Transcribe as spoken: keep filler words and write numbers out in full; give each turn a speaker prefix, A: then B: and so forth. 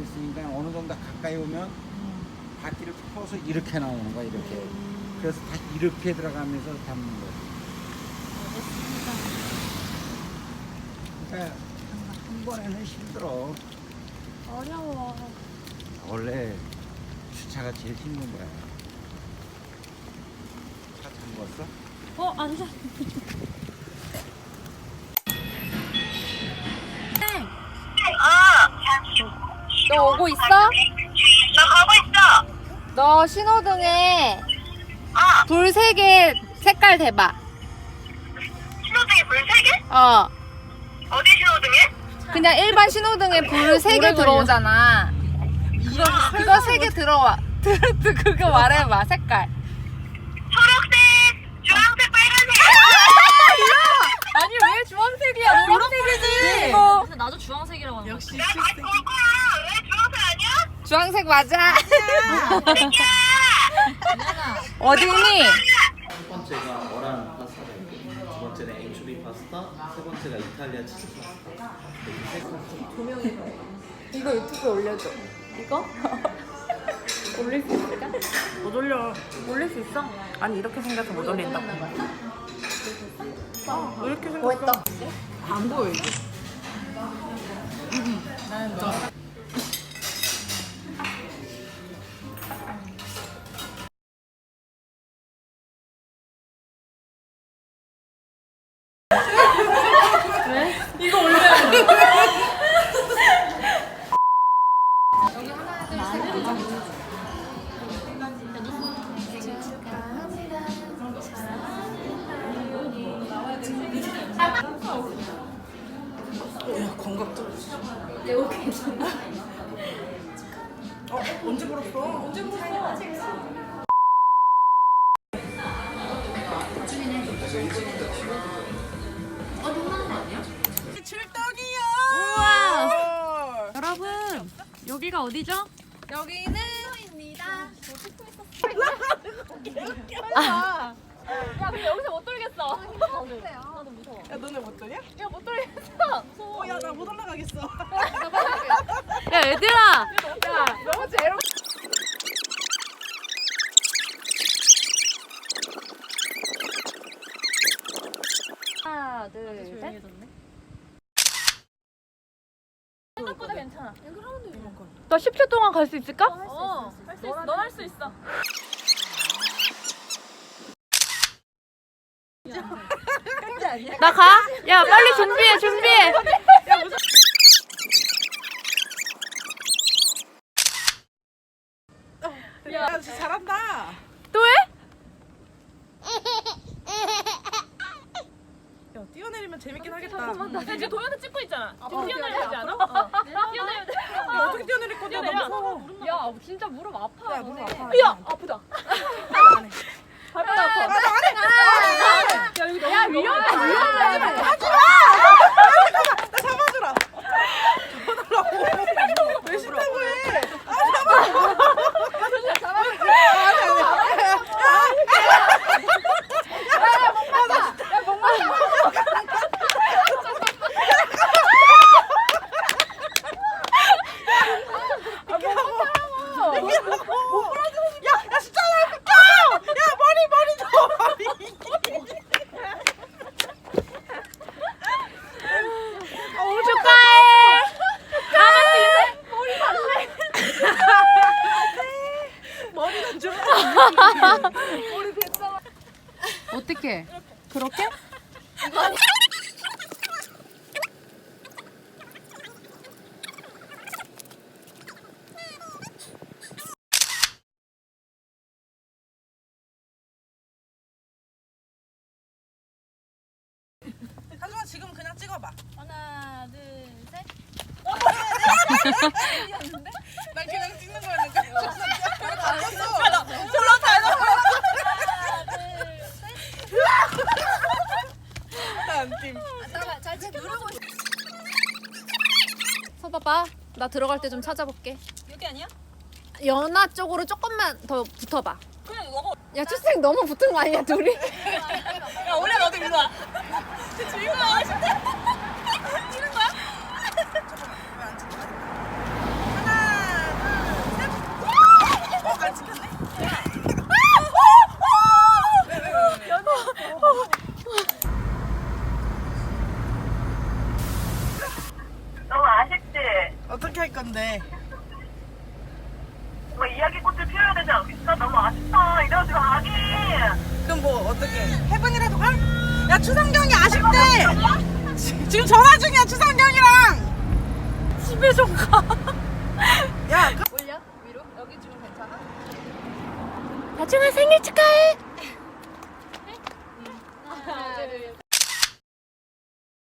A: 있으니까 어느 정도 가까이 오면 바퀴를 펴서 이렇게 나오는 거야, 이렇게. 그래서 다시 이렇게 들어가면서 잡는 거지.
B: 알겠습니다.
A: 그러니까 한 번에는 힘들어.
B: 어려워.
A: 원래 주차가 제일 힘든 거야. 차 잠궜어?
B: 어, 안 돼. 너 오고 있어?
C: 나 가고 있어.
B: 너 신호등에
C: 어.
B: 불 세 개 색깔 대봐.
C: 신호등에 불 세 개?
B: 어.
C: 어디 신호등에?
B: 그냥 일반 신호등에 불 세 개 들어오잖아. 그거, 그거 세 개 들어와. 그거 말해봐, 색깔.
C: 초록색, 주황색, 빨간색.
B: 아니, 왜 주황색이야? 노란색이지. 이거.
D: 근데 나도 주황색이라고 하는
E: 역시
C: 나 다시 볼 거야. 왜 주황색 아니야?
B: 주황색 맞아.
D: 거야.
B: 어디니?
F: 첫 번째가 어란 파스타고 두 번째는 엔초비 파스타, 세 번째가 이탈리아 치즈 파스타. 이렇게 세 가지.
B: 이거 유튜브에 올려줘. 이거? 올릴 수 있을까?
E: 못 올려.
B: 올릴 수 있어?
E: 아니 이렇게 생겨서 못 올린다. 아, 왜 이렇게 생겼어?
B: 했다.
E: 안 보여 이게. 야 건강 떨어졌어. 어? 언제 불었어? 언제 불었어? 출동이야!
B: 우와!
D: 여러분, 여기가 어디죠?
B: 여기는
D: 야, 근데 여기서 못 돌겠어.
E: 야 너네 못 떠냐?
D: 야, 못 돌겠어.
E: 어, 야 나 못 올라가겠어.
D: 야, 얘들아.
B: 야, 너무 제로. 하나, 둘, 셋.
D: 생각보다 괜찮아.
B: 너 십 초 동안 갈 수 있을까?
D: 어, 할 수 있어. 넌 할 수 있어.
B: 나 가? 야, 빨리 준비해, 준비해.
E: 야 진짜 잘한다.
B: 또 해?
E: 야 뛰어내리면 재밌긴 하겠다.
D: 나 지금 도현이 찍고 있잖아. 지금 뛰어내려야 되지 않아? 뛰어내려야 돼.
E: 야 어떻게 뛰어내릴 건데? 나 무서워.
B: 야, 진짜 무릎 아파.
E: 야 무릎 아파.
B: 야, 아프다.
E: 안 해.
B: 발바닥 아파.
E: 야 여기
B: 야, 위험해, 위험해.
E: 나 잡아주라. 잡아달라고. 왜 싫다고 해? 야 진짜 나 비켜! 야 머리 머리 줘 머리.
B: 오, 축하해.
E: 머리는 줘.
B: 어떻게? 그렇게?
E: 하지만 지금 그냥 찍어봐.
D: 하나, 둘, 셋.
E: 난 그냥 찍는 거였는데. 졸라 잘 나와. 난 팀.
B: 서봐봐. 나 들어갈 때 좀 찾아볼게.
D: 여기 아니야?
B: 연하 쪽으로 조금만 더 붙어봐.
D: 그냥 이거.
B: 야, 추생 너무 붙은 거 아니야, 둘이?
D: 야, 원래 너도 일로 와. 지금 하신대? 찍는 거야?
E: 왜안 찍냐? 하나 어떻게 할 건데?
C: 뭐 이야기꽃을 피워야 되지 않겠어? 너무 아쉽다. 이래가지고 아니.
E: 그럼 뭐 어떻게? 해븐이라도 가? 야 추상경이 아쉽대. 지- 지금 전화 중이야 추상경이랑. 집에 좀 가.